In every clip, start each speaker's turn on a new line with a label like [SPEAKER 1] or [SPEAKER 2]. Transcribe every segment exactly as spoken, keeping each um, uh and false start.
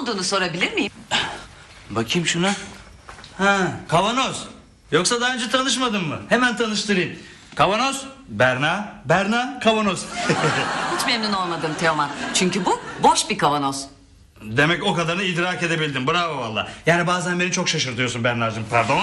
[SPEAKER 1] olduğunu sorabilir miyim?
[SPEAKER 2] Bakayım şuna. Ha, kavanoz. Yoksa daha önce tanışmadın mı? Hemen tanıştırayım. Kavanoz, Berna, Berna, kavanoz.
[SPEAKER 1] Hiç memnun olmadım Teoman. Çünkü bu boş bir kavanoz.
[SPEAKER 2] Demek o kadarını idrak edebildim. Bravo valla. Yani bazen beni çok şaşırtıyorsun Berna'cığım. Pardon.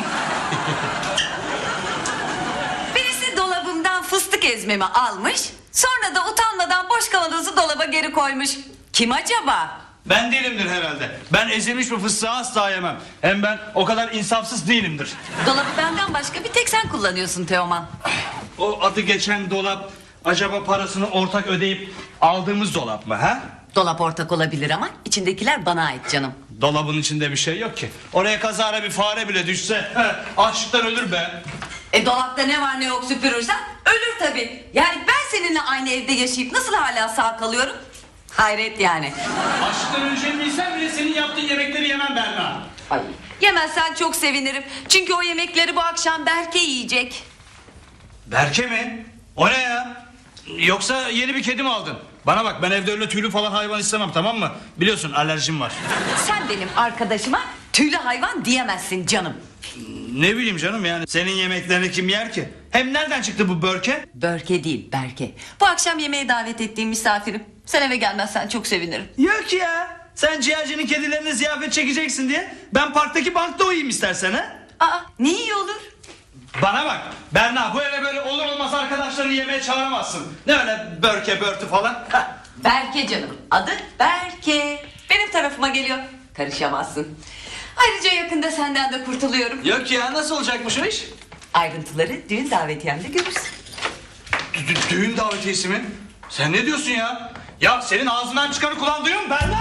[SPEAKER 1] Birisi dolabımdan fıstık ezmemi almış. Sonra da utanmadan boş kavanozu dolaba geri koymuş. Kim acaba?
[SPEAKER 2] Ben değilimdir herhalde. Ben ezilmiş bir fıstığı asla yemem. Hem ben o kadar insafsız değilimdir.
[SPEAKER 1] Dolabı benden başka bir tek sen kullanıyorsun Teoman.
[SPEAKER 2] O adı geçen dolap acaba parasını ortak ödeyip aldığımız dolap mı ha?
[SPEAKER 1] Dolap ortak olabilir ama içindekiler bana ait canım.
[SPEAKER 2] Dolabın içinde bir şey yok ki. Oraya kazara bir fare bile düşse he, açlıktan ölür be.
[SPEAKER 1] E dolapta ne var ne yok süpürürsen ölür tabii. Yani ben seninle aynı evde yaşayıp nasıl hala sağ kalıyorum? Hayret yani.
[SPEAKER 2] Açlıktan öleceğimi bilsem bile senin yaptığın yemekleri yemem Berna.
[SPEAKER 1] Ay. Yemezsen çok sevinirim. Çünkü o yemekleri bu akşam Berke yiyecek.
[SPEAKER 2] Berke mi? O ne ya? Yoksa yeni bir kedi mi aldın? Bana bak, ben evde öyle tüylü falan hayvan istemem, tamam mı? Biliyorsun alerjim var.
[SPEAKER 1] Sen benim arkadaşıma tüylü hayvan diyemezsin canım.
[SPEAKER 2] Ne bileyim canım, yani senin yemeklerini kim yer ki? Hem nereden çıktı bu Börke?
[SPEAKER 1] Börke değil Berke. Bu akşam yemeğe davet ettiğim misafirim. Sen eve gelmezsen çok sevinirim.
[SPEAKER 2] Yok ya. Sen ciğercinin kedilerine ziyafet çekeceksin diye ben parktaki bankta uyuyayım istersen ha?
[SPEAKER 1] Aa ne iyi olur.
[SPEAKER 2] Bana bak Berna, bu eve böyle olur olmaz arkadaşlarını yemeğe çağıramazsın. Ne öyle Börke Börtü falan.
[SPEAKER 1] Berke canım. Adı Berke. Benim tarafıma geliyor. Karışamazsın. Ayrıca yakında senden de kurtuluyorum.
[SPEAKER 2] Yok ya, nasıl olacakmış o iş?
[SPEAKER 1] Ayrıntıları düğün davetiyemde görürsün.
[SPEAKER 2] Dü- düğün davetiyesi mi? Sen ne diyorsun ya? Ya senin ağzından çıkanı kulağın duyuyor mu Berna?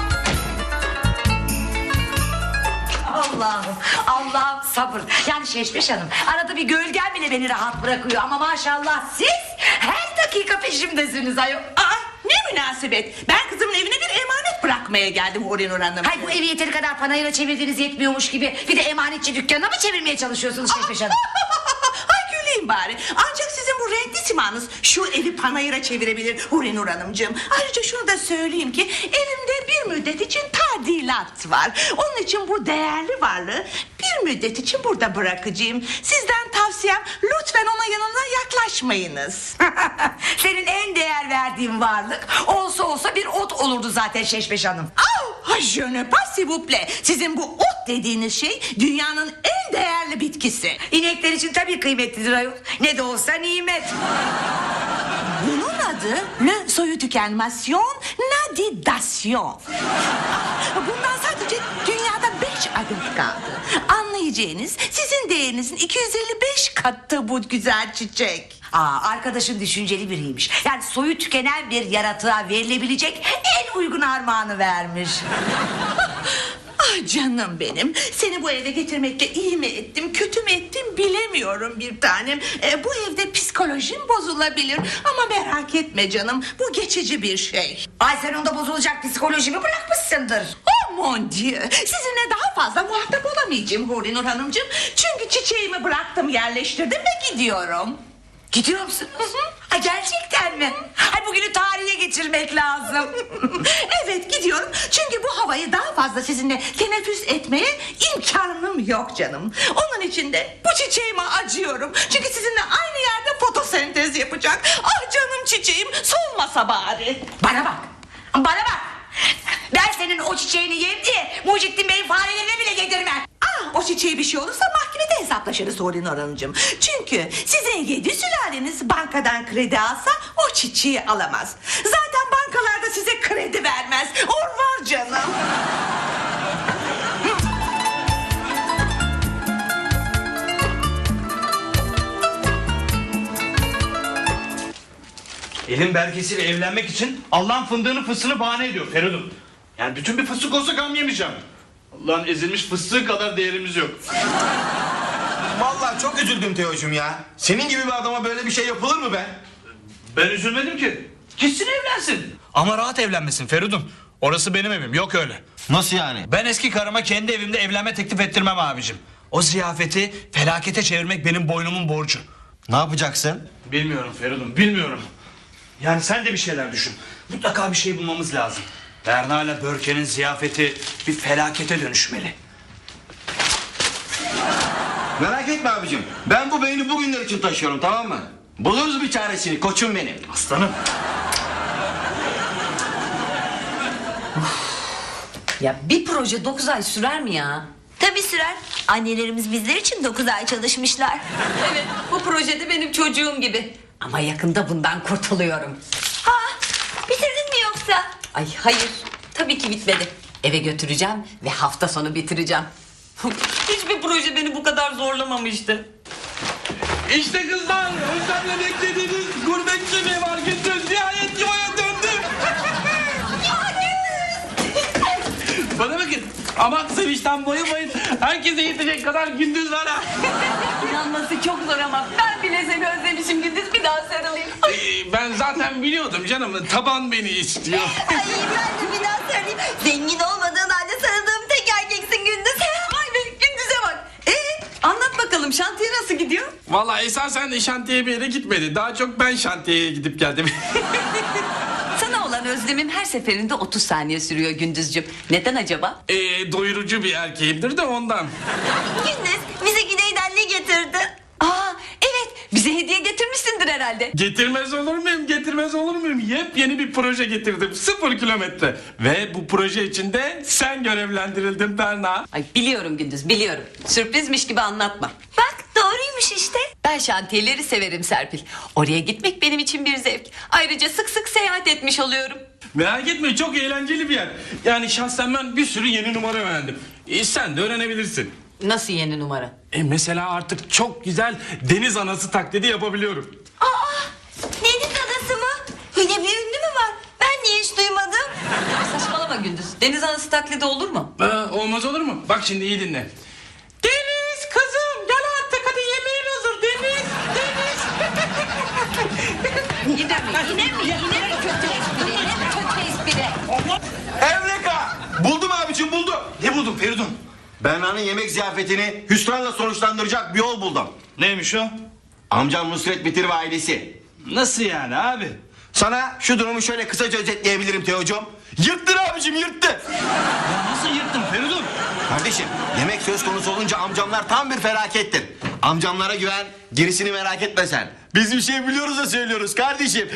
[SPEAKER 3] Allah'ım, Allah'ım sabır. Yani Şeşmeş Hanım, arada bir gölgen bile beni rahat bırakıyor. Ama maşallah siz her dakika peşimdesiniz ayol.
[SPEAKER 4] Aa, ne münasebet. Ben kızımın evine bir emanet bırakmaya geldim Horinur Hanım.
[SPEAKER 3] Hay bu evi yeteri kadar panayıra çevirdiğiniz yetmiyormuş gibi bir de emanetçi dükkanına mı çevirmeye çalışıyorsunuz Şeşmeş Hanım?
[SPEAKER 4] Ay güleyim bari. Ancak sizin bu renkli simanız şu evi panayıra çevirebilir Horinur Hanımcığım. Ayrıca şunu da söyleyeyim ki evimde bir müddet için tadilat var. Onun için bu değerli varlığı bir müddet için burada bırakacağım. Sizden tavsiyem lütfen ona yanına yaklaşmayınız.
[SPEAKER 3] Senin en değer verdiğin varlık olsa olsa bir ot olurdu zaten Şeşmeş Hanım.
[SPEAKER 4] Ah, je ne pas s'il vous plaît. Sizin bu ot dediğiniz şey dünyanın en değerli bitkisi.
[SPEAKER 3] İnekler için tabii kıymetlidir ayol. Ne de olsa nimet.
[SPEAKER 4] Bunun adı ne soyu tükenmasyon, nadidasyon. Bundan sadece dünyada beş adet kaldı. Anlayacağınız sizin değerinizin iki yüz elli beş katı bu güzel çiçek.
[SPEAKER 3] Aa, arkadaşın düşünceli biriymiş. Yani soyu tükenen bir yaratığa verilebilecek en uygun armağanı vermiş.
[SPEAKER 4] Ah canım benim, seni bu eve getirmekle iyi mi ettim kötü mü ettim bilemiyorum bir tanem. Ee, bu evde psikolojim bozulabilir ama merak etme canım, bu geçici bir şey.
[SPEAKER 3] Ay sen onda bozulacak psikolojimi bırakmışsındır.
[SPEAKER 4] Oh mon dieu, sizinle daha fazla muhatap olamayacağım Horinur Hanımcığım. Çünkü çiçeğimi bıraktım, yerleştirdim ve gidiyorum.
[SPEAKER 3] Gidiyor musunuz? Ha, gerçekten mi? Ay bugünü tarihe geçirmek lazım.
[SPEAKER 4] Evet gidiyorum çünkü bu havayı daha fazla sizinle teneffüs etmeye imkanım yok canım. Onun için de bu çiçeğime acıyorum. Çünkü sizinle aynı yerde fotosentez yapacak. Ah canım çiçeğim, solmasa bari.
[SPEAKER 3] Bana bak. Bana bak. Ben senin o çiçeğini yiyeyim diye Mucittin Bey'in farelerine bile yedirmem.
[SPEAKER 4] Ah, o çiçeğe bir şey olursa mahkemede hesaplaşırız Horinur Hanımcığım. Çünkü sizin yedi sülaleniz bankadan kredi alsa o çiçeği alamaz. Zaten bankalarda size kredi vermez. Or var canım.
[SPEAKER 2] Elin Berkesi'yle evlenmek için Allah'ın fındığını fıstığını bahane ediyor Feridun. Yani bütün bir fıstık olsa gam yemeyeceğim. Allah'ın ezilmiş fıstığı kadar değerimiz yok.
[SPEAKER 5] Vallahi çok üzüldüm Teocuğum ya. Senin gibi bir adama böyle bir şey yapılır mı be?
[SPEAKER 2] Ben üzülmedim ki. Gitsin evlensin. Ama rahat evlenmesin Feridun. Orası benim evim, yok öyle.
[SPEAKER 5] Nasıl yani?
[SPEAKER 2] Ben eski karıma kendi evimde evlenme teklif ettirmem abicim. O ziyafeti felakete çevirmek benim boynumun borcu.
[SPEAKER 5] Ne yapacaksın?
[SPEAKER 2] Bilmiyorum Feridun, bilmiyorum. Yani sen de bir şeyler düşün. Mutlaka bir şey bulmamız lazım. Berna ile Börke'nin ziyafeti bir felakete dönüşmeli.
[SPEAKER 5] Merak etme abicim. Ben bu beyni bugünler için taşıyorum, tamam mı? Buluruz bir çaresini koçum benim.
[SPEAKER 2] Aslanım.
[SPEAKER 1] Ya bir proje dokuz ay sürer mi ya?
[SPEAKER 6] Tabii sürer. Annelerimiz bizler için dokuz ay çalışmışlar.
[SPEAKER 1] Evet, bu projede benim çocuğum gibi. Ama yakında bundan kurtuluyorum.
[SPEAKER 6] Ha, bitirdin mi yoksa?
[SPEAKER 1] Ay hayır, tabii ki bitmedi. Eve götüreceğim ve hafta sonu bitireceğim. Hiçbir proje beni bu kadar zorlamamıştı.
[SPEAKER 7] İşte kızlar, özlemle beklediğiniz gurbetçi mi var Gündüz? Nihayet yuvaya döndü. Bana bakın, aman sevinçten bayılmayın. Herkese yetecek kadar Gündüz var ha.
[SPEAKER 1] İnanması çok zor ama ben bile seni özlemişim Gündüz, bir daha sarılayım.
[SPEAKER 7] Ee, ben zaten biliyordum canım, taban beni istiyor.
[SPEAKER 6] Ay ben de bir daha söyleyeyim. Zengin olmadığın halde sarıldığım tek erkeksin Gündüz.
[SPEAKER 1] Ay be, Gündüz'e bak. Ee, anlat bakalım, şantiye nasıl gidiyor?
[SPEAKER 7] Vallahi esasen de şantiye bir yere gitmedi. Daha çok ben şantiyeye gidip geldim.
[SPEAKER 1] Sana olan özlemim her seferinde otuz saniye sürüyor Gündüzcüğüm. Neden acaba?
[SPEAKER 7] ee, doyurucu bir erkeğimdir de ondan.
[SPEAKER 6] Gündüz bize güneyden ne getirdin?
[SPEAKER 1] Aa, evet, bize hediye getirmişsindir herhalde.
[SPEAKER 7] Getirmez olur muyum, getirmez olur muyum? Yepyeni bir proje getirdim, sıfır kilometre. Ve bu proje içinde sen görevlendirildin Berna.
[SPEAKER 1] Ay biliyorum Gündüz, biliyorum. Sürprizmiş gibi anlatma.
[SPEAKER 6] Bak doğruymuş işte.
[SPEAKER 1] Ben şantiyeleri severim Serpil. Oraya gitmek benim için bir zevk. Ayrıca sık sık seyahat etmiş oluyorum.
[SPEAKER 7] Merak etme, çok eğlenceli bir yer. Yani şahsen ben bir sürü yeni numara öğrendim. E, sen de öğrenebilirsin.
[SPEAKER 1] Nasıl yeni numara?
[SPEAKER 7] E, mesela artık çok güzel deniz anası taklidi yapabiliyorum.
[SPEAKER 6] Aa, deniz adası mı? Öyle bir ünlü mü var? Ben niye hiç duymadım?
[SPEAKER 1] Saçmalama Gündüz. Deniz anası taklidi olur mu?
[SPEAKER 7] Aa, olmaz olur mu? Bak şimdi iyi dinle. Deniz kızım gel artık, hadi yemeğin hazır Deniz. Deniz.
[SPEAKER 1] Yine mi? Yine mi? Yine mi kötü espri? Yine mi kötü espri?
[SPEAKER 5] Evreka! Buldum abicim, buldum. Ne buldun Feridun? Berna'nın yemek ziyafetini hüsranla sonuçlandıracak bir yol buldum.
[SPEAKER 2] Neymiş o?
[SPEAKER 5] Amcam Nusret Bitir ve ailesi.
[SPEAKER 2] Nasıl yani abi?
[SPEAKER 5] Sana şu durumu şöyle kısaca özetleyebilirim Teocuğum. Yırttın abicim, yırttı.
[SPEAKER 2] Ya nasıl yırttın Feridun?
[SPEAKER 5] Kardeşim, yemek söz konusu olunca amcamlar tam bir felakettir. Amcamlara güven, gerisini merak etme sen. Biz bir şey biliyoruz da söylüyoruz kardeşim.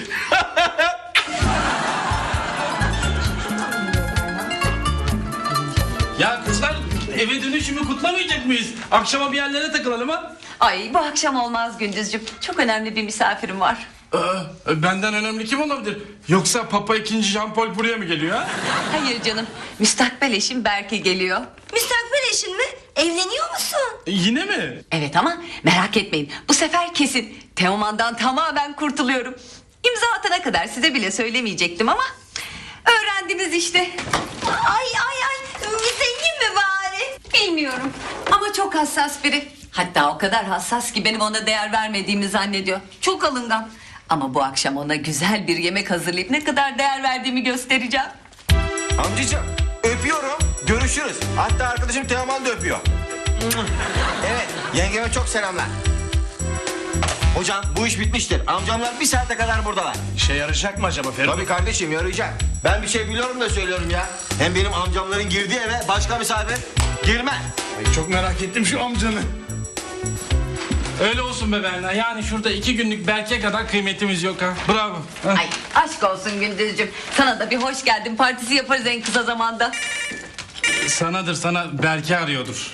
[SPEAKER 7] Ya kızlar, eve dönüşümü kutlamayacak mıyız? Akşama bir yerlere takılalım ha?
[SPEAKER 1] Ay bu akşam olmaz Gündüzcüğüm. Çok önemli bir misafirim var.
[SPEAKER 7] Ee, benden önemli kim olabilir? Yoksa Papa ikinci Jean Paul buraya mı geliyor ha?
[SPEAKER 1] Hayır canım. Müstakbel eşim Berke geliyor.
[SPEAKER 6] Müstakbel eşin mi? Evleniyor musun?
[SPEAKER 7] E, yine mi?
[SPEAKER 1] Evet ama merak etmeyin. Bu sefer kesin. Teoman'dan tamamen kurtuluyorum. İmza atana kadar size bile söylemeyecektim ama öğrendiniz işte.
[SPEAKER 6] Ay ay ay. Zengin mi bari?
[SPEAKER 1] Bilmiyorum ama çok hassas biri. Hatta o kadar hassas ki benim ona değer vermediğimi zannediyor. Çok alıngan. Ama bu akşam ona güzel bir yemek hazırlayıp ne kadar değer verdiğimi göstereceğim.
[SPEAKER 5] Amcacığım, öpüyorum. Görüşürüz. Hatta arkadaşım Teoman da öpüyor. Evet, yengeme çok selamlar. Hocam bu iş bitmiştir. Amcamlar bir saate kadar buradalar.
[SPEAKER 2] İşe yarayacak mı acaba Feridun?
[SPEAKER 5] Tabii kardeşim, yarayacak. Ben bir şey biliyorum da söylüyorum ya. Hem benim amcamların girdiği eve başka misafir girmez.
[SPEAKER 7] Ay, çok merak ettim şu amcanı. Öyle olsun be Berna. Yani şurada iki günlük Berke kadar kıymetimiz yok ha. Bravo. Ha.
[SPEAKER 1] Ay aşk olsun Gündüzcüğüm. Sana da bir hoş geldin partisi yaparız en kısa zamanda.
[SPEAKER 7] Sanadır sana, Berke arıyordur.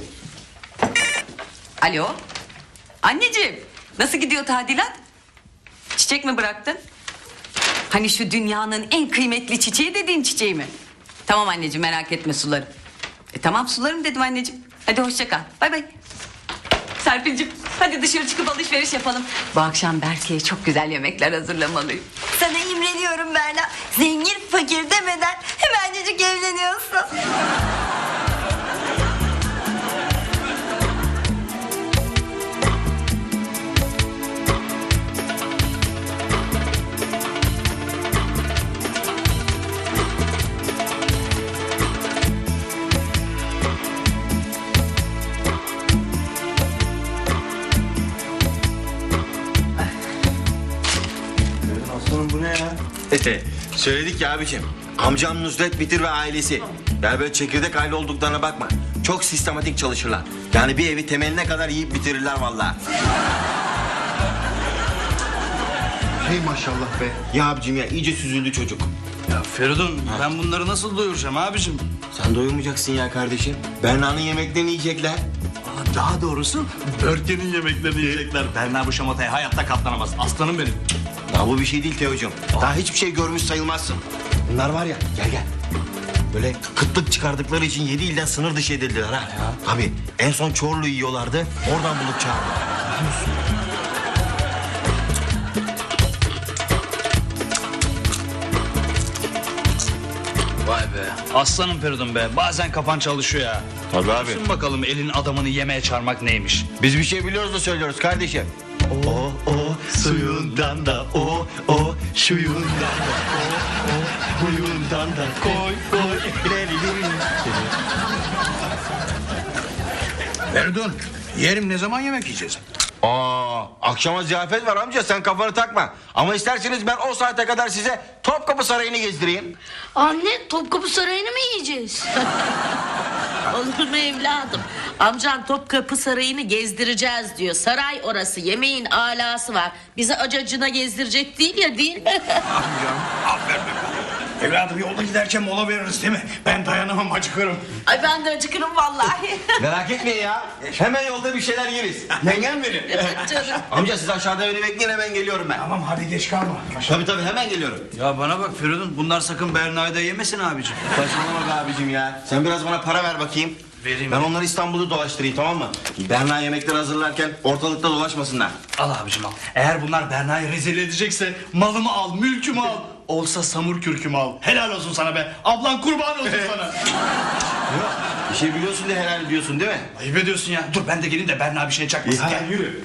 [SPEAKER 1] Alo. Anneciğim nasıl gidiyor tadilat? Çiçek mi bıraktın? Hani şu dünyanın en kıymetli çiçeği dediğin çiçeği mi? Tamam anneciğim merak etme sularım. E tamam sularım dedim anneciğim. Hadi hoşça kal. Bay bay. Serpil'cim hadi dışarı çıkıp alışveriş yapalım. Bu akşam Berke'ye çok güzel yemekler hazırlamalıyım.
[SPEAKER 6] Sana imreniyorum Berna. Zengin fakir demeden hemencecik evleniyorsun.
[SPEAKER 5] Aslanım bu ne ya? Söyledik ya abicim. Amcam Nusret Bitir ve ailesi. Yani böyle çekirdek aile olduklarına bakma. Çok sistematik çalışırlar. Yani bir evi temeline kadar yiyip bitirirler vallahi. Hey maşallah be. Ya abicim ya iyice süzüldü çocuk.
[SPEAKER 2] Ya Feridun ben bunları nasıl doyuracağım abicim?
[SPEAKER 5] Sen doyurmayacaksın ya kardeşim. Berna'nın yemeklerini yiyecekler.
[SPEAKER 2] Aa, daha doğrusu Börke'nin yemeklerini yiyecekler. Berna bu şamataya hayatta katlanamaz. Aslanım benim.
[SPEAKER 5] Ya bu bir şey değil Teocuğum. Daha hiçbir şey görmüş sayılmazsın. Bunlar var ya gel gel. Böyle kıtlık çıkardıkları için yedi ilden sınır dışı edildiler ha. Tabii en son Çorlu yiyorlardı. Oradan bulup çağırdılar.
[SPEAKER 2] Vay be. Aslanım Feridun be. Bazen kafan çalışıyor ya.
[SPEAKER 5] Tabii abi.
[SPEAKER 2] Düşün bakalım elin adamını yemeğe çağırmak neymiş.
[SPEAKER 5] Biz bir şey biliyoruz da söylüyoruz kardeşim. O o suyundan da o o şuyundan da o o huyundan da koy koy.
[SPEAKER 8] Feridun, yerim ne zaman yemek yiyeceğiz?
[SPEAKER 5] Aa, akşama ziyafet var amca sen kafanı takma. Ama isterseniz ben o saate kadar size Topkapı Sarayı'nı gezdireyim.
[SPEAKER 3] Anne, Topkapı Sarayı'nı mı yiyeceğiz?
[SPEAKER 9] Olur mu evladım? Amcan Topkapı Sarayı'nı gezdireceğiz diyor. Saray orası, yemeğin alası var. Bizi acacına gezdirecek değil ya, değil mi?
[SPEAKER 8] Amcam, aferin. Evladım yolda giderken mola veririz değil mi? Ben dayanamam acıkırım.
[SPEAKER 9] Ay ben de acıkırım vallahi.
[SPEAKER 5] Merak etmeyin ya. Hemen yolda bir şeyler yeriz. Yengem benim.
[SPEAKER 9] Canım.
[SPEAKER 5] Amca siz aşağıda beni bekleyin hemen geliyorum ben.
[SPEAKER 8] Tamam hadi geç kalma.
[SPEAKER 5] Tabii tabii hemen geliyorum.
[SPEAKER 2] Ya bana bak Feridun bunlar sakın Berna'yı da yemesin abicim.
[SPEAKER 5] Saçmalama be abicim ya. Sen biraz bana para ver bakayım.
[SPEAKER 2] Vereyim.
[SPEAKER 5] Ben onları İstanbul'u dolaştırayım tamam mı? Berna yemekleri hazırlarken ortalıkta dolaşmasınlar.
[SPEAKER 2] Al abicim al. Eğer bunlar Berna'yı rezil edecekse malımı al, mülkümü al. Olsa samur kürkümü al. Helal olsun sana be. Ablan kurban olsun sana.
[SPEAKER 5] Bir şey biliyorsun da helal ediyorsun değil mi?
[SPEAKER 2] Ayıp ediyorsun ya. Dur ben de geleyim de Berna bir şey çakmasın. Gel.
[SPEAKER 5] yürü.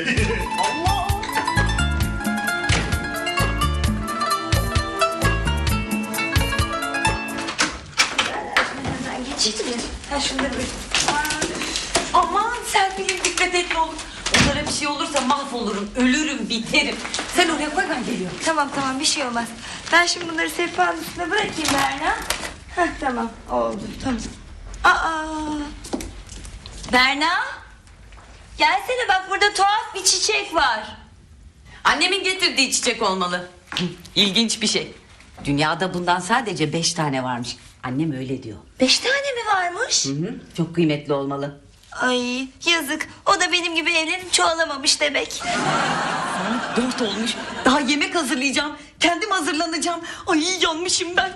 [SPEAKER 1] Aman Serpil'im dikkat et ne olur. Onlara bir şey olursa mahvolurum, ölürüm, biterim. Sen oraya koy ben geliyorum.
[SPEAKER 6] Tamam tamam bir şey olmaz. Ben şimdi bunları sehpanın üstüne bırakayım Berna. Heh, tamam oldu tamam. Aa, Berna. Gelsene bak burada tuhaf bir çiçek var.
[SPEAKER 1] Annemin getirdiği çiçek olmalı. İlginç bir şey. Dünyada bundan sadece beş tane varmış. Annem öyle diyor.
[SPEAKER 6] Beş tane mi varmış?
[SPEAKER 1] Hı hı, çok kıymetli olmalı.
[SPEAKER 6] Ay yazık. O da benim gibi evlenip çoğalamamış demek.
[SPEAKER 1] Dört olmuş. Daha yemek hazırlayacağım. Kendim hazırlanacağım. Ay yanmışım ben.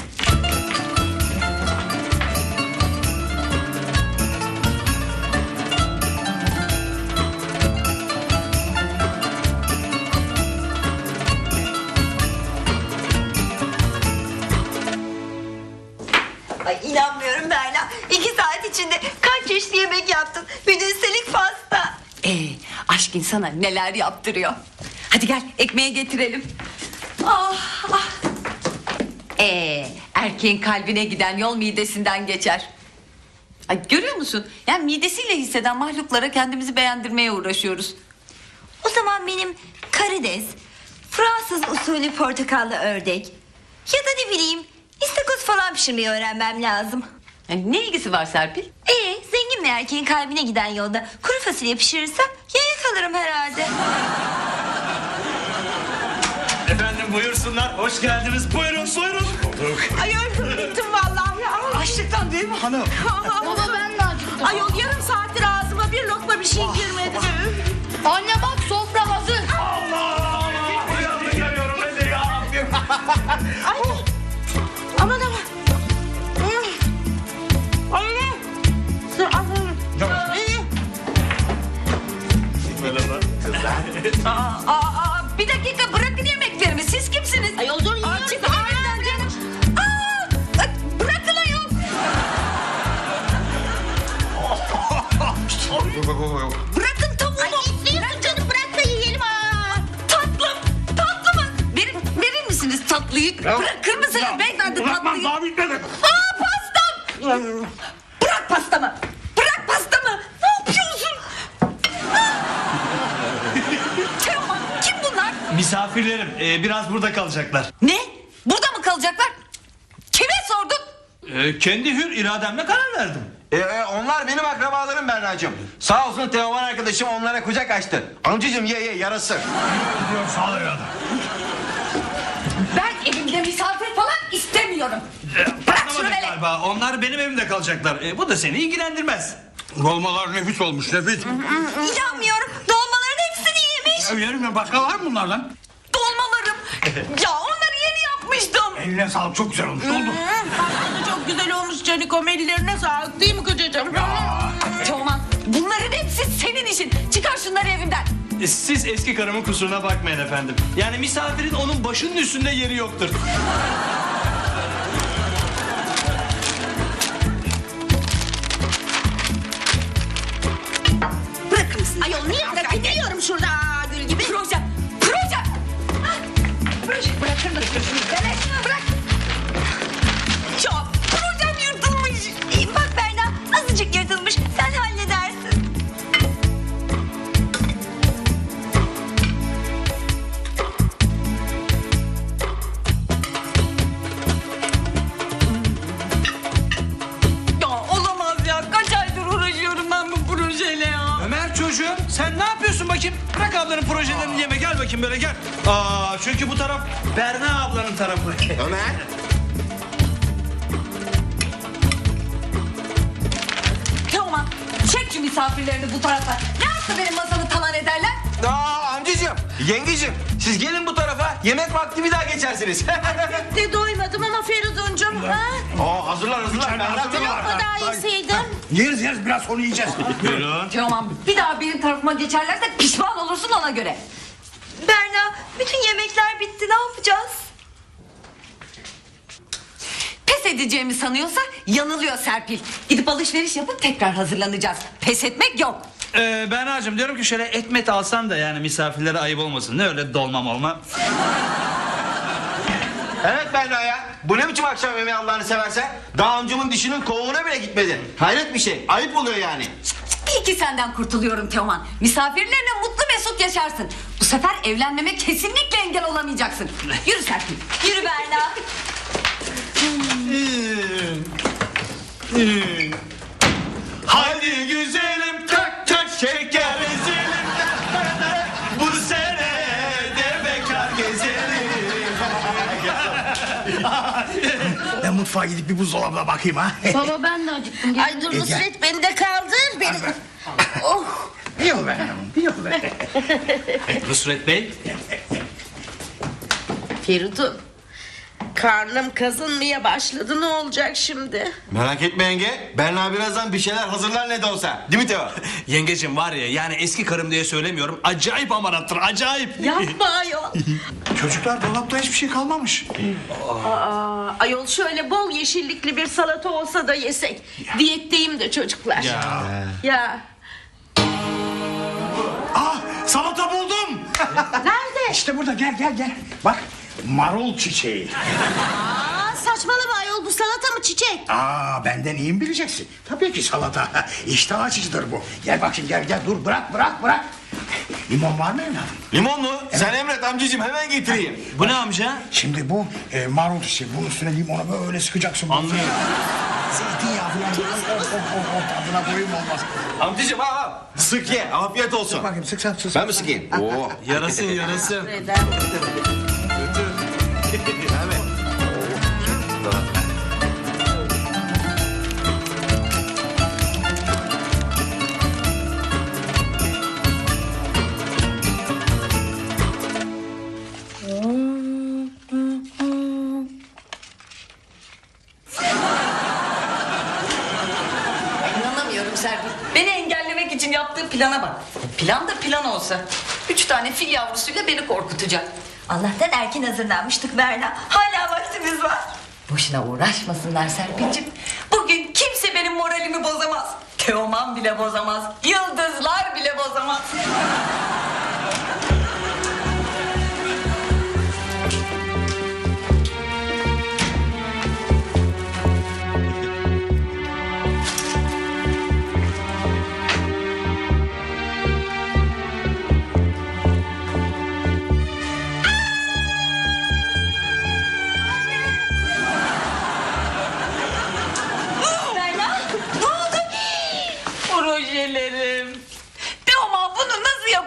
[SPEAKER 6] Ay inanmıyorum Berna. İki saat içinde kaç çeşitli yemek yaptın. Bir de üstelik pasta.
[SPEAKER 1] Ee, aşk insana neler yaptırıyor. Hadi gel ekmeğe getirelim. Ah, ah. Ee, erkeğin kalbine giden yol midesinden geçer. Ay, görüyor musun? Yani midesiyle hisseden mahluklara kendimizi beğendirmeye uğraşıyoruz.
[SPEAKER 6] O zaman benim karides, Fransız usulü portakallı ördek ya da ne bileyim istakoz falan pişirmeyi öğrenmem lazım.
[SPEAKER 1] Yani ne ilgisi var Serpil?
[SPEAKER 6] Ee, zengin bir erkeğin kalbine giden yolda kuru fasulye pişirirsem yaya kalırım herhalde.
[SPEAKER 2] Efendim buyursunlar. Hoş geldiniz. Buyurun buyurun.
[SPEAKER 4] Ay öldüm bittim vallahi ya. Açlıktan değil mi hanım?
[SPEAKER 9] Baba ben de acıktım.
[SPEAKER 4] Ayol yarım saattir ağzıma bir lokma bir şey girmedi.
[SPEAKER 9] Anne bak sofra hazır.
[SPEAKER 4] Ay. Aman aman. Ay. Dur aferin.
[SPEAKER 1] Aa, aa, bir dakika bırakın yemeklerimi. Siz kimsiniz?
[SPEAKER 9] Ay o zaman yiyoruz.
[SPEAKER 1] Çıkın önümden canım. Aa, ay, bırakın ayol. Bırakın tavuğumu.
[SPEAKER 9] Ay istiyorsun canım bırak da yiyelim ha.
[SPEAKER 1] Tatlım. Tatlı mı? Verir, verir misiniz tatlıyı? Bırakır mısınız beyefendi tatlıyı?
[SPEAKER 8] Daha bitmedi.
[SPEAKER 1] Aa pastam. Bırak pastamı. Bırak pastamı. Ne yapıyorsun? Teoman kim bunlar?
[SPEAKER 2] Misafirlerim. Ee, biraz burada kalacaklar.
[SPEAKER 1] Ne? Burada mı kalacaklar?
[SPEAKER 2] Ee, kendi hür irademle karar verdim.
[SPEAKER 5] E, e, onlar benim akrabalarım Berna'cığım. Sağ olsun Teoman arkadaşım onlara kucak açtı. Amcacığım ye ye yarasın.
[SPEAKER 8] Gidiyorum sağ ol evladım.
[SPEAKER 3] Ben evimde misafir falan istemiyorum.
[SPEAKER 2] Bırak
[SPEAKER 3] şunu hele.
[SPEAKER 2] galiba. Onlar benim evimde kalacaklar. Ee, bu da seni ilgilendirmez.
[SPEAKER 8] Dolmalar nefis olmuş nefis.
[SPEAKER 6] İnanmıyorum. Dolmaların hepsini yemiş.
[SPEAKER 8] Ya yerim ya başka var mı bunlardan?
[SPEAKER 3] Dolmalarım. Ya onları yeni yapmıştım.
[SPEAKER 8] Eline sağlık çok güzel olmuş. Ne oldu?
[SPEAKER 9] Çok güzel olmuş Canikom, ellerine sağlık değil mi kocacığım?
[SPEAKER 3] Teoman bunların hepsi senin işin. Çıkar şunları evimden.
[SPEAKER 2] Ee, Siz eski karımın kusuruna bakmayın efendim. Yani misafirin onun başının üstünde yeri yoktur.
[SPEAKER 3] Bırakır mısın?
[SPEAKER 9] Ayol niye bırakayım? Geliyorum şurada gül gibi.
[SPEAKER 3] Proje. Proje. Ah, Proje. Bırakır mısın şunu? Evet. Bırak. Ya projem yırtılmış.
[SPEAKER 6] İyi, bak Berna, azıcık yırtılmış. Sen halledersin.
[SPEAKER 3] Ya olamaz ya. Kaç aydır uğraşıyorum ben bu projeyle ya.
[SPEAKER 2] Ömer çocuğum sen ne yapıyorsun bakayım? Bırak ablanın projelerini yeme gel bakayım böyle gel. Aa, çünkü bu taraf Berna ablanın tarafı.
[SPEAKER 5] Ömer.
[SPEAKER 3] Teoman çek şu misafirlerini bu tarafa. Ne yaptı benim masamı talan ederler?
[SPEAKER 5] Aa amcacığım, yengecim siz gelin bu tarafa. Yemek vakti bir daha geçersiniz.
[SPEAKER 9] De doymadım ama Feridun'cum. Ha?
[SPEAKER 5] Aa hazırlar hazırlar. Berna
[SPEAKER 8] hazırlar.
[SPEAKER 5] tamam.
[SPEAKER 9] Lokma daha yeseydin.
[SPEAKER 8] Yeriz yeriz biraz sonra yiyeceğiz.
[SPEAKER 2] Buyurun.
[SPEAKER 3] Teoman bir daha benim tarafıma geçerlerse pişman olursun ona göre.
[SPEAKER 6] Berna, bütün yemekler bitti. Ne yapacağız?
[SPEAKER 1] Pes edeceğimi sanıyorsa yanılıyor Serpil. Gidip alışveriş yapıp tekrar hazırlanacağız. Pes etmek yok.
[SPEAKER 2] Ee, Berna'cığım diyorum ki şöyle etmet alsan da yani misafirlere ayıp olmasın. Ne öyle dolmam olma.
[SPEAKER 5] Evet Berna ya. Bu ne biçim akşam yemeği Allah'ını seversen? Daha amcamın dişinin kovuğuna bile gitmedi. Hayret bir şey. Ayıp oluyor yani.
[SPEAKER 1] İyi ki senden kurtuluyorum Teoman. Misafirlerine mutlu mesut yaşarsın. Bu sefer evlenmeme kesinlikle engel olamayacaksın. Yürü Serpil.
[SPEAKER 6] Yürü Berna.
[SPEAKER 2] Hadi güzelim kök kök şeker ezelim. Bu sene de bekar gezelim.
[SPEAKER 8] Ben mutfağa gidip bir buzdolabına bakayım ha.
[SPEAKER 9] Baba ben de acıktım. Ay dur Nusret beni de kaldır. Beni... Oh.
[SPEAKER 8] Yok be hanım, yok be.
[SPEAKER 2] Nusret Bey.
[SPEAKER 9] Feridun. Karnım kazınmaya başladı, ne olacak şimdi?
[SPEAKER 5] Merak etme yenge. Berna birazdan bir şeyler hazırlar ne de olsa. Değil mi Teo?
[SPEAKER 2] Yengecim var ya yani eski karım diye söylemiyorum. Acayip amanattır acayip.
[SPEAKER 9] Yapma ayol.
[SPEAKER 8] Çocuklar dolapta hiçbir şey kalmamış.
[SPEAKER 9] Aa, ayol şöyle bol yeşillikli bir salata olsa da yesek. Diyetteyim de çocuklar.
[SPEAKER 2] Ya.
[SPEAKER 9] Ya.
[SPEAKER 8] Ah salata buldum.
[SPEAKER 9] Nerede?
[SPEAKER 8] İşte burada gel gel gel. Bak marul çiçeği.
[SPEAKER 9] Aa, saçmalama ayol, bu salata mı çiçek?
[SPEAKER 8] Aa benden iyi mi bileceksin? Tabii ki salata. İştah açıcıdır bu. Gel bakayım gel gel dur bırak bırak bırak. Limon var mı evladım?
[SPEAKER 5] Limon mu? Sen emret amcacığım hemen getireyim.
[SPEAKER 2] Bu ne amca?
[SPEAKER 8] Şimdi bu e, marul çiçeği. Bunun üstüne limonu böyle sıkacaksın.
[SPEAKER 2] Anlıyorum.
[SPEAKER 8] Zeytinyağı falan. Oh, oh, oh, oh, tadına doyum olmaz.
[SPEAKER 5] Amcacığım al al. Sık ye. Afiyet olsun.
[SPEAKER 8] Bakayım sık sen sık.
[SPEAKER 5] Ben mi sıkayım? Oo.
[SPEAKER 2] Yarasın yarasın.
[SPEAKER 9] Neden?
[SPEAKER 1] İnanamıyorum Serpil. Beni engellemek için yaptığı plana bak. Plan da plan olsa. Üç tane fil yavrusuyla beni korkutacak.
[SPEAKER 6] Allah'tan erken hazırlanmıştık Berna. Hala vaktimiz var.
[SPEAKER 1] Boşuna uğraşmasınlar Serpil'cim. Bugün kimse benim moralimi bozamaz. Teoman bile bozamaz. Yıldızlar bile bozamaz.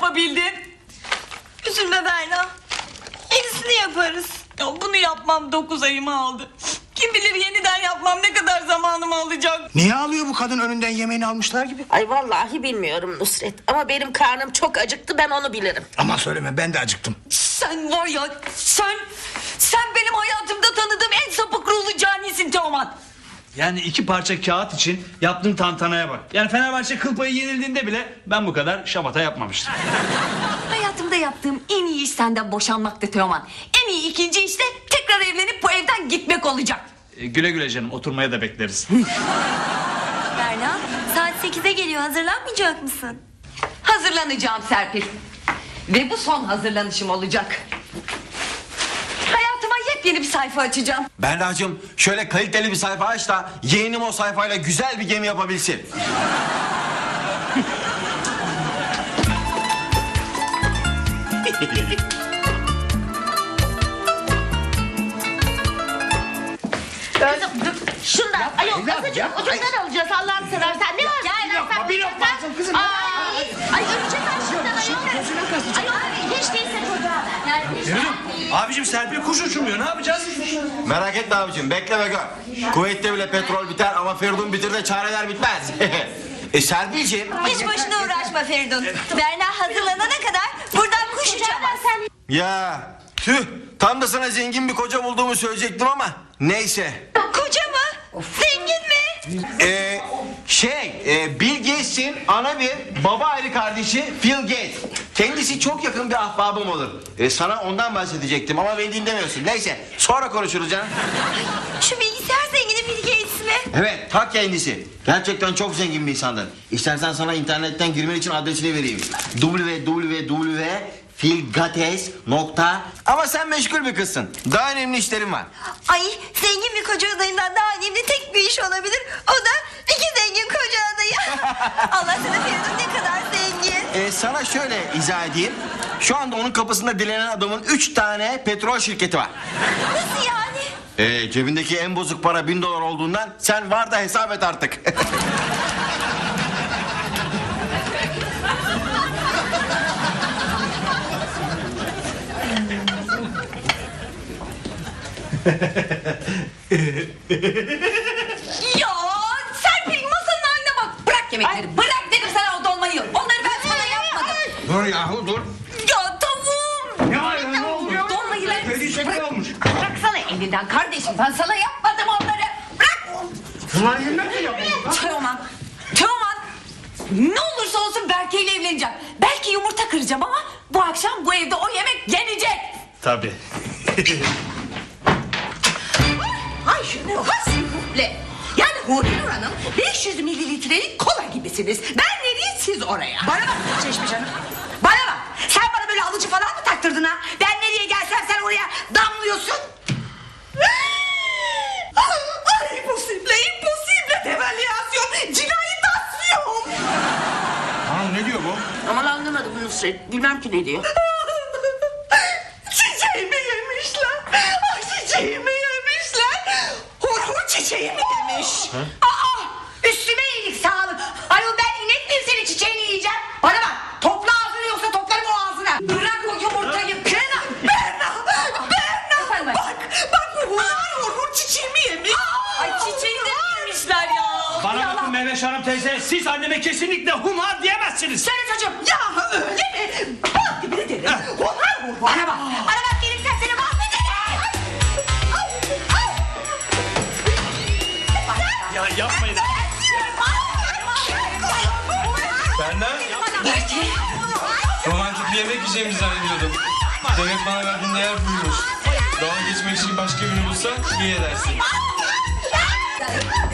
[SPEAKER 1] yapabildim.
[SPEAKER 6] Üzülme Berna. Yenisini yaparız.
[SPEAKER 1] Ya bunu yapmam dokuz ayımı aldı. Kim bilir yeniden yapmam ne kadar zamanımı alacak.
[SPEAKER 8] Niye ağlıyor bu kadın, önünden yemeğini almışlar gibi?
[SPEAKER 9] Ay vallahi bilmiyorum Nusret. Ama benim karnım çok acıktı, ben onu bilirim.
[SPEAKER 8] Aman söyleme, ben de acıktım.
[SPEAKER 1] Sen var ya sen sen benim hayatımda tanıdığım en sapık ruhlu canisin Teoman.
[SPEAKER 2] Yani iki parça kağıt için yaptığın tantanaya bak. Yani Fenerbahçe kıl payı yenildiğinde bile ben bu kadar şamata yapmamıştım.
[SPEAKER 1] Hayatımda yaptığım en iyi iş senden boşanmaktı Teoman. En iyi ikinci iş de tekrar evlenip bu evden gitmek olacak.
[SPEAKER 2] E, güle güle canım, oturmaya da bekleriz.
[SPEAKER 6] Berna, saat sekize geliyor. Hazırlanmayacak mısın?
[SPEAKER 1] Hazırlanacağım Serpil. Ve bu son hazırlanışım olacak. Hayatıma yepyeni bir sayfa açacağım.
[SPEAKER 5] Berna'cığım şöyle kaliteli bir sayfa aç da yeğenim o sayfayla güzel bir gemi yapabilsin.
[SPEAKER 9] Kızım dur, şundan. Ay yok,
[SPEAKER 8] evladım,
[SPEAKER 9] azıcık
[SPEAKER 8] yapma,
[SPEAKER 9] ucundan alacağız Allah'ını seversen. Ne var?
[SPEAKER 8] Bir lokma, bir lokma alsın kızım.
[SPEAKER 9] Ay, ay öpecek aşkından ayol. Ayol hiç değilse çocuğa ver. Yani,
[SPEAKER 2] Abicim Serpil kuş uçurmuyor, ne yapacağız?
[SPEAKER 5] Merak etme abicim, bekle ve gör. Kuveyt'te bile petrol biter ama Feridun bitir de çareler bitmez. e Serpil'ciğim.
[SPEAKER 6] Hiç boşuna uğraşma Feridun. Berna hazırlanana kadar buradan kuş uçamaz.
[SPEAKER 5] Ya tüh, tam da sana zengin bir koca bulduğumu söyleyecektim ama neyse.
[SPEAKER 6] Koca mı? Zengin mi?
[SPEAKER 5] Ee, şey, e, Bill Gates'in ana bir baba ayrı kardeşi Phil Gates. Kendisi çok yakın bir ahbabım olur. E, sana ondan bahsedecektim ama beni dinlemiyorsun. Neyse, sonra konuşuruz canım.
[SPEAKER 6] Şu bilgisayar zengini Bill Gates mi?
[SPEAKER 5] Evet, ta kendisi. Gerçekten çok zengin bir insandır. İstersen sana internetten girmen için adresini vereyim. w w w Filgates nokta. Ama sen meşgul bir kızsın. Daha önemli işlerim var.
[SPEAKER 6] Ay, zengin bir koca adayından daha önemli tek bir iş olabilir. O da iki zengin koca adayı. Allah sana Feridun ne kadar zengin.
[SPEAKER 5] Ee, sana şöyle izah edeyim. Şu anda onun kapısında dilenen adamın üç tane petrol şirketi var.
[SPEAKER 6] Nasıl yani?
[SPEAKER 5] Ee, cebindeki en bozuk para bin dolar olduğundan sen var da hesap et artık.
[SPEAKER 1] Ya Serpil masanın haline bak. Bırak yemekleri. Bırak dedim sana o dolmayı. Onları ben sana yapmadım.
[SPEAKER 8] Dur yahu dur.
[SPEAKER 1] Ya tavuğum.
[SPEAKER 8] Ne var ya, ne oldu?
[SPEAKER 1] Dolmayı ver.
[SPEAKER 8] Kedi şekli olmuş.
[SPEAKER 1] Bıraksana elinden kardeşim. Ben sana yapmadım onları. Bırak.
[SPEAKER 8] Bunlar yemek mi yapıyorsun?
[SPEAKER 1] Teoman. Teoman. Ne olursa olsun Berke ile evleneceğim. Belki yumurta kıracağım ama bu akşam bu evde o yemek yenecek.
[SPEAKER 2] Tabii.
[SPEAKER 4] Ay şunu hasifle. Yani Huri Nur Hanım beş yüz mililitrelik kola gibisiniz. Ben nereye siz oraya?
[SPEAKER 3] Bana bak Çeşmiş Hanım. Bana bak. Sen bana böyle alıcı falan mı taktırdın ha? Ben nereye gelsem sen oraya damlıyorsun.
[SPEAKER 4] Ay imposible, imposible devalüasyon, cinayetasyon.
[SPEAKER 8] Aa, ne diyor bu?
[SPEAKER 9] aman anlamadım Nusret. Bilmem ki ne diyor.
[SPEAKER 4] Çiçeğimi yemişler. Ay çiçeğimi yemişler. Hur hur çiçeğimi yemiş.
[SPEAKER 3] Aa, üstüme iyilik sağlık. Ayol ben inek miyim senin çiçeğini yiyeceğim? Bana bak. Topla ağzını yoksa toplarım o ağzına.
[SPEAKER 1] Bırak o yumurtayı.
[SPEAKER 4] Berna, Berna, Berna. Bak, bak bu hur hur hur çiçeğimi yemiş.
[SPEAKER 1] Ay çiçeği de yemişler ya.
[SPEAKER 2] Bana bakın Mehveş Hanım teyze, siz anneme kesinlikle humar diyemezsiniz.
[SPEAKER 3] Söyle çocuğum.
[SPEAKER 4] Ya öyle mi? Bak gibi de derim. Hur hur hur.
[SPEAKER 3] Bana bak. Bana bak gelirsen seni mahvederim.
[SPEAKER 7] Ya yapmayın. Berna, romantik bir yemek yiyeceğimizi zannediyordum. Demek bana verdiğin değer buymuş. Dalga geçmek için başka birini bulsan iyi edersin.